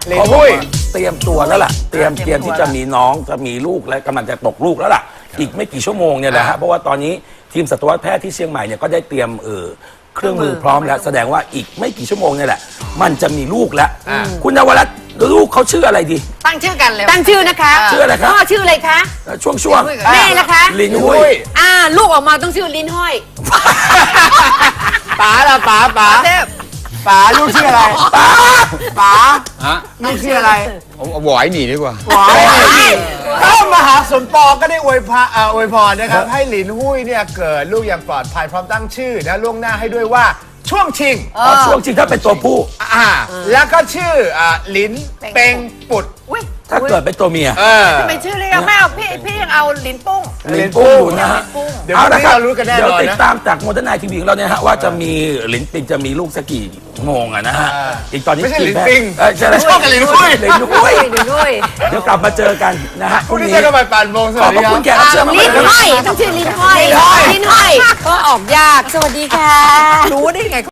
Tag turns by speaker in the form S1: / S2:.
S1: เขาบอกว่า
S2: เตรียมตัวแล้วล่ะเตรียมที่จะมีน้องจะมีลูกและกำลังจะตกลูกแล้วล่ะอีกไม่กี่ชั่วโมงเนี่ยแหละฮะเพราะว่าตอนนี้ทีมสัตวแพทย์ที่เชียงใหม่เนี่ยก็ได้เตรียมเครื่องมือพร้อมแล้วแสดงว่าอีกไม่กี่ชั่วโมงเนี่ยแหละมันจะมีลูกแล้วคุณนวรัตน์ลูกเขาชื่ออะไรดี
S3: ตั้งชื่อกันเลย
S4: ตั้งชื่อนะคะ
S2: ชื่ออะไรครับ
S4: พ่อชื่ออะไรคะ
S2: ช่วง
S4: แม่ล่ะคะ
S2: ลินหุ้ย
S4: ลูกออกมาต้องชื่อลิ้นห้อย
S1: ป๋าล่ะป๋าลูกชื่ออะไรป๋าลูกชื่ออะไร
S5: เอาหวายหนีดีกว่า
S1: ถ้ามหาสมปองก็ได้อวยพรนะครับให้หลินหุ้ยเนี่ยเกิดลูกอย่างปลอดภัยพร้อมตั้งชื่อนะล่วงหน้าให้ด้วยว่าช่วงชิง
S2: ช่วงจริงถ้าเป็นตัวผู้
S1: แล้วก็ชื่อหลินเป็งปุด
S2: ถ้าเกิดเป็นตัวเมีย
S3: ทำไมชื่อเรียกแม่พี่ยังเอาลิ้นปุ้ง
S2: ลินปุ้งอยู่นะฮะ
S1: เดี๋ยวเรารู้กันแน่นอนนะ
S2: เดี๋ยวติดตามจากโมเดิร์นไนท์ทีวีของเราเนี่ยฮะว่าจะมีลินปิงจะมีลูกสักกี่โมงอะนะฮะอีกตอนนี้
S1: ไม่ใช่ลินปิง
S2: ใช่
S1: ชอบกับลินหุ้ย
S2: เดี๋ยวกลับมาเจอกันนะฮะ
S1: พรุ่งนี้เจอกันบ่าย8 โมงสวัสดีครับ
S2: ขอบคุณแขกรับเชิญมากๆ
S4: ลิ้นห้อยต้องชื่อลิ้นห้อยก็ออกยากสวัสดีค่ะ
S3: รู้ได้ไง